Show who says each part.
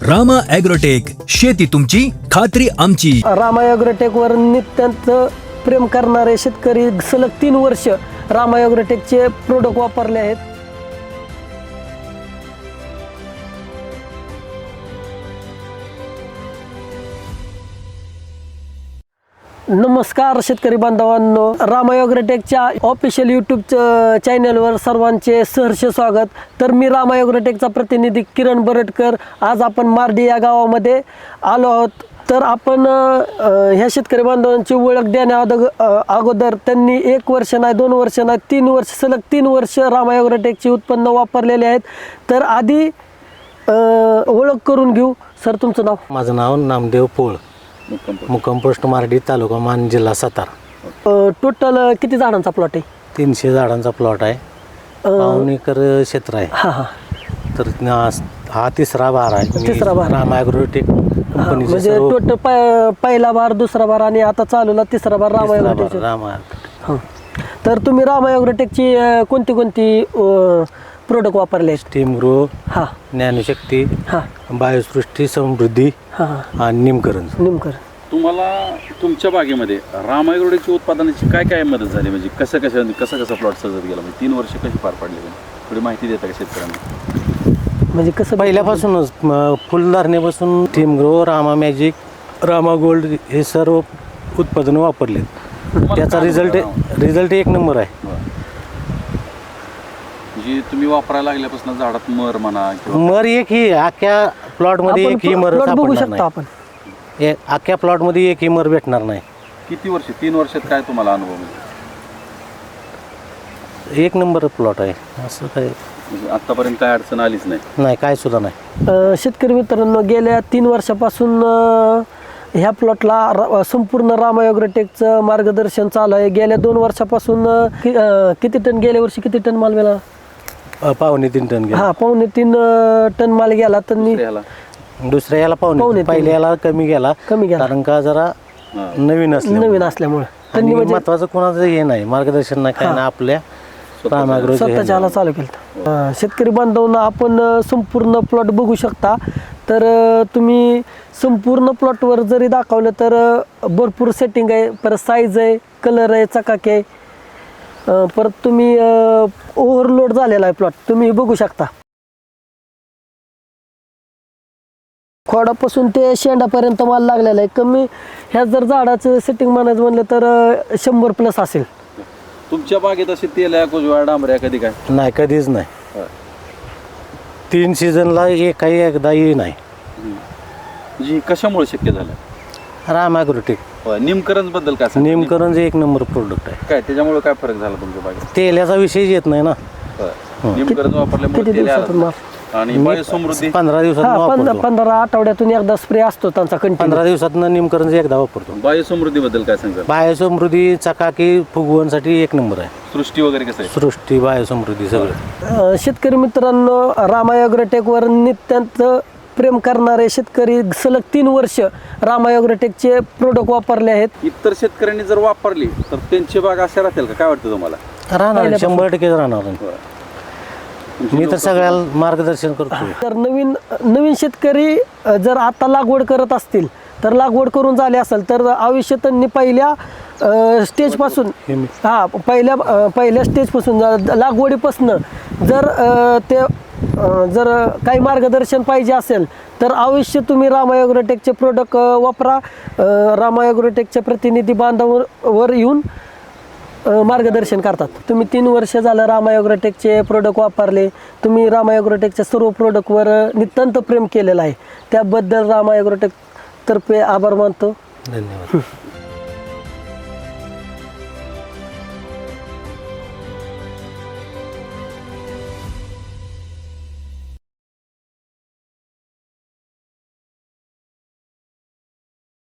Speaker 1: Rama agrotech, शेती तुमची खात्री आमची.
Speaker 2: रामा ॲग्रोटेकवर नित्यांत प्रेम करणारे शेतकरी सलग 3 वर्ष रामा ॲग्रोटेकचे प्रोडक्ट वापरले आहेत. नमस्कार शेतकरी बांधवांनो, रामा ॲग्रोटेकच्या ऑफिशियल यूट्यूब चॅनलवर सर्वांचे सहर्ष स्वागत. तर मी रामा ॲग्रोटेकचा प्रतिनिधी किरण बरटकर. आज आपण मार्डी या गावामध्ये आलो आहोत. तर आपण ह्या शेतकरी बांधवांची ओळख देण्या अगोदर त्यांनी 1 वर्ष नाही, 2 वर्ष नाही, 3 वर्ष सलग 3 वर्ष रामा ॲग्रोटेकची उत्पन्न वापरलेले आहेत. तर आधी ओळख करून घेऊ. सर, तुमचं नाव?
Speaker 3: माझं नाव नामदेव पोळ, मुक्काम पोस्ट मार्डी, तालुका मान, जिल्हा सातारा.
Speaker 2: टोटल किती झाडांचा प्लॉट आहे?
Speaker 3: 300 झाडांचा प्लॉट आहे. 5 एकर क्षेत्र आहे.
Speaker 2: हां हां.
Speaker 3: तर हा तिसरा बार आहे.
Speaker 2: तिसरा बार.
Speaker 3: रामा ॲग्रोटेक कंपनीचे
Speaker 2: म्हणजे
Speaker 3: सर्व
Speaker 2: टोटल पहिला बार, दुसरा बार आणि आता चालूला तिसरा बार रामा
Speaker 3: तिसरा
Speaker 2: ॲग्रोटेक.
Speaker 3: बार रामा ॲग्रोटेक.
Speaker 2: हां. तर तुम्ही रामा ॲग्रोटेकची कोणती प्रोडक्ट वापरले आहेत?
Speaker 3: स्टीम ग्रो,
Speaker 2: हां
Speaker 3: ज्ञानशक्ती,
Speaker 2: हां
Speaker 3: बायोसृष्टी, समृद्धी
Speaker 2: हां
Speaker 3: आणि निमकरण.
Speaker 2: निमकर.
Speaker 4: तुम्हाला तुमच्या बागेमध्ये रामा ॲग्रोटेकची उत्पादनाची काय काय मदत झाली? म्हणजे कसं प्लॉट सजत गेला? म्हणजे 3 वर्ष कशी पार पाडली? थोडी माहिती देता का शेतकऱ्यांना?
Speaker 2: म्हणजे कसं
Speaker 3: पहिल्यापासूनच फुलधारणेपासून steam grow, Rama magic, Rama gold हे सर्व उत्पादनं वापरले. त्याचा रिझल्ट 1 नंबर आहे.
Speaker 4: म्हणजे तुम्ही वापरायला लागल्यापासून झाडात मर म्हणा किंवा
Speaker 3: मर एकही अख्ख्या प्लॉटमध्ये एकही मर
Speaker 2: प्लॉट बघू
Speaker 3: सापडणार
Speaker 2: शकता आपण.
Speaker 3: नाही. अख्ख्या प्लॉटमध्ये एकही मर भेटणार नाही.
Speaker 4: किती वर्ष, 3 वर्षात काय तुम्हाला अनुभव म्हणजे?
Speaker 3: 1 नंबर प्लॉट आहे. असं काय
Speaker 4: म्हणजे आतापर्यंत काय अडचण आलीच नाही?
Speaker 3: नाही, काय सुद्धा नाही.
Speaker 2: शेतकरी मित्रांनो, गेल्या 3 वर्षापासून ह्या प्लॉटला संपूर्ण रामा ॲग्रोटेकचं मार्गदर्शन चालू आहे. गेल्या 2 वर्षापासून किती टन, गेल्या वर्षी किती टन माल गेला?
Speaker 3: 2.25 टन गेला.
Speaker 2: हा, 2.25 टन माल गेला. तर
Speaker 3: दुसऱ्या याला पावणे, पहिल्या याला कमी गेला. कारण का जरा नवीन
Speaker 2: असल्यामुळे
Speaker 3: आणि महत्वाचं कोणाचं हे नाही, मार्गदर्शन नाही, काय नाही, आपल्या रामा ॲग्रोटेक
Speaker 2: स्वतःच्याला चालू केलं. शेतकरी बांधवांना आपण संपूर्ण प्लॉट बघू शकता. तर तुम्ही संपूर्ण प्लॉटवर जरी दाखवलं तर भरपूर सेटिंग आहे, परत साईज आहे, कलर आहे, चकाकी आहे. परत तुम्ही ओव्हरलोड झालेला आहे प्लॉट, तुम्ही बघू शकता. खोडापासून ते शेंडापर्यंत माल लागलेला आहे. कमी ह्या जर झाडाचं सेटिंग म्हणायचं म्हणलं तर 100+ असेल.
Speaker 4: तुमच्या बागेत असे तेल्या, कुजव्या, डांबऱ्या कधी काय?
Speaker 3: नाही, कधीच नाही. 3 सीझनला एकदाही नाही.
Speaker 4: म्हणजे कशामुळे शक्य झालं?
Speaker 3: रामा ॲग्रोटेक
Speaker 4: निमकरण बद्दल काय सांगा?
Speaker 3: निमकरण 1 नंबर प्रोडक्ट आहे.
Speaker 4: काय त्याच्यामुळे काय फरक झाला तुमच्या बागेत?
Speaker 3: तेलाचा विषय येत नाही ना.
Speaker 4: निमकरण वापरल्यामुळे
Speaker 2: किती
Speaker 4: तेल आलं.
Speaker 2: दिवसातून माल?
Speaker 4: आणि बायोसमृद्धी
Speaker 3: 15 दिवसात वापरतो.
Speaker 2: 15 आठवड्यातून एकदा स्प्रे असतो त्यांचा कंटिन्यू.
Speaker 3: 15 दिवसात निमकरण एकदा वापरतो.
Speaker 4: बायोसमृद्धी बद्दल काय सांगा?
Speaker 3: बायोसमृद्धी, चकाकी, फुगवणसाठी 1 नंबर आहे.
Speaker 4: सृष्टी वगैरे कसं आहे?
Speaker 3: सृष्टी, बायोसमृद्धी सगळं.
Speaker 2: शेतकरी मित्रांनो, रामा ॲग्रोटेकवर नित्यांत प्रेम करणारे शेतकरी सलग 3 वर्ष रामा ॲग्रोटेकचे प्रोडक्ट वापरले आहेत.
Speaker 4: इतर शेतकऱ्यांनी जर वापरली तर त्यांची बाग अशा राहतील का? काय वाटतं तुम्हाला?
Speaker 3: राहणार, 100% राहणार. मी तर सगळ्याला मार्गदर्शन करतो.
Speaker 2: तर नवीन शेतकरी जर आता लागवड करत असतील तर लागवड करून झाले असेल तर आयुष्य त्यांनी पहिल्या स्टेजपासून पहिल्या स्टेजपासून लागवडीपासून जर काही मार्गदर्शन पाहिजे असेल तर अवश्य तुम्ही रामा ॲग्रोटेकचे प्रोडक्ट वापरा. रामा ॲग्रोटेकचे प्रतिनिधी बांधवावर येऊन मार्गदर्शन करतात. तुम्ही 3 वर्ष झालं रामा ॲग्रोटेकचे प्रोडक्ट वापरले. तुम्ही रामा ॲग्रोटेकच्या सर्व प्रोडक्टवर नितांत प्रेम केलेलं आहे. त्याबद्दल रामा ॲग्रोटेक तर्फे आभार मानतो.
Speaker 3: धन्यवाद.